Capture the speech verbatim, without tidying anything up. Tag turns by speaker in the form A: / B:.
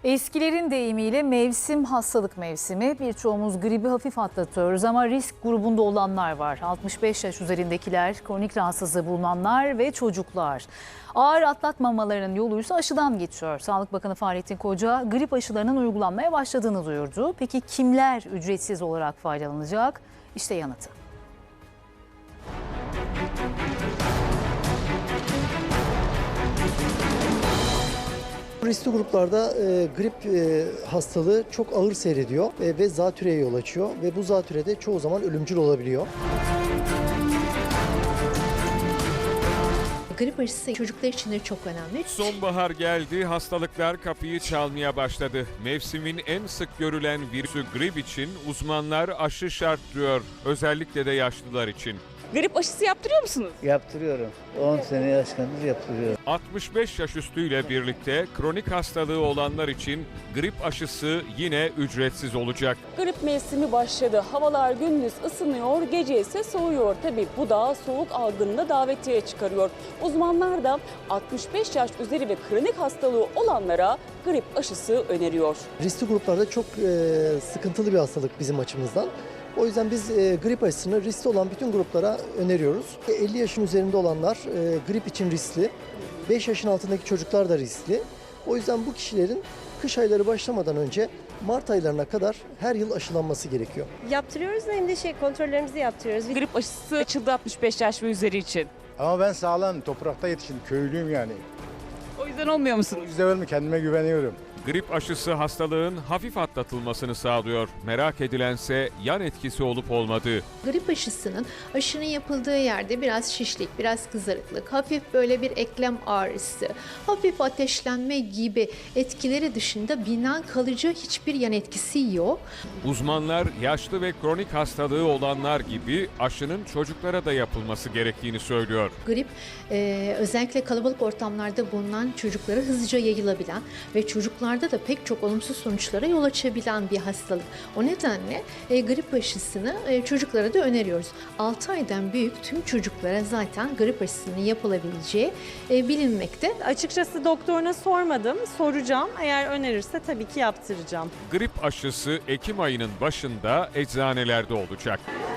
A: Eskilerin deyimiyle mevsim hastalık mevsimi. Birçoğumuz gribi hafif atlatıyoruz ama risk grubunda olanlar var. altmış beş yaş üzerindekiler, kronik rahatsızlığı bulunanlar ve çocuklar. Ağır atlatmamalarının yoluysa aşıdan geçiyor. Sağlık Bakanı Fahrettin Koca grip aşılarının uygulanmaya başladığını duyurdu. Peki kimler ücretsiz olarak faydalanacak? İşte yanıtı.
B: Riskli gruplarda e, grip e, hastalığı çok ağır seyrediyor e, ve zatürreye yol açıyor ve bu zatürre de çoğu zaman ölümcül olabiliyor.
C: Grip aşısı çocuklar için de çok önemli.
D: Sonbahar geldi, hastalıklar kapıyı çalmaya başladı. Mevsimin en sık görülen virüsü grip için uzmanlar aşı şart diyor, özellikle de yaşlılar için.
E: Grip aşısı yaptırıyor musunuz?
F: Yaptırıyorum. on sene yaşkandır yaptırıyorum.
D: altmış beş yaş üstüyle birlikte kronik hastalığı olanlar için grip aşısı yine ücretsiz olacak.
E: Grip mevsimi başladı. Havalar gündüz ısınıyor, gece ise soğuyor. Tabii bu da soğuk algınını davetiye çıkarıyor. Uzmanlar da altmış beş yaş üzeri ve kronik hastalığı olanlara grip aşısı öneriyor.
B: Riskli gruplarda çok e, sıkıntılı bir hastalık bizim açımızdan. O yüzden biz e, grip aşısını riskli olan bütün gruplara öneriyoruz. elli yaşın üzerinde olanlar e, grip için riskli, beş yaşın altındaki çocuklar da riskli. O yüzden bu kişilerin kış ayları başlamadan önce Mart aylarına kadar her yıl aşılanması gerekiyor.
G: Yaptırıyoruz da hem de şey kontrollerimizi yaptırıyoruz.
E: Grip aşısı açıldı altmış beş yaş ve üzeri için.
H: Ama ben sağlam, toprakta yetiştim, köylüyüm yani.
E: O yüzden olmuyor
H: O
E: musunuz?
H: yüzden mi kendime güveniyorum.
D: Grip aşısı hastalığın hafif atlatılmasını sağlıyor. Merak edilense yan etkisi olup olmadığı.
C: Grip aşısının aşının yapıldığı yerde biraz şişlik, biraz kızarıklık, hafif böyle bir eklem ağrısı, hafif ateşlenme gibi etkileri dışında bilinen kalıcı hiçbir yan etkisi yok.
D: Uzmanlar yaşlı ve kronik hastalığı olanlar gibi aşının çocuklara da yapılması gerektiğini söylüyor.
C: Grip e, özellikle kalabalık ortamlarda bulunan çocuklara hızlıca yayılabilen ve çocuklarda da pek çok olumsuz sonuçlara yol açabilen bir hastalık. O nedenle e, grip aşısını e, çocuklara da öneriyoruz. altı aydan büyük tüm çocuklara zaten grip aşısının yapılabileceği e, bilinmekte.
G: Açıkçası doktoruna sormadım, soracağım. Eğer önerirse tabii ki yaptıracağım.
D: Grip aşısı Ekim ayının başında eczanelerde olacak.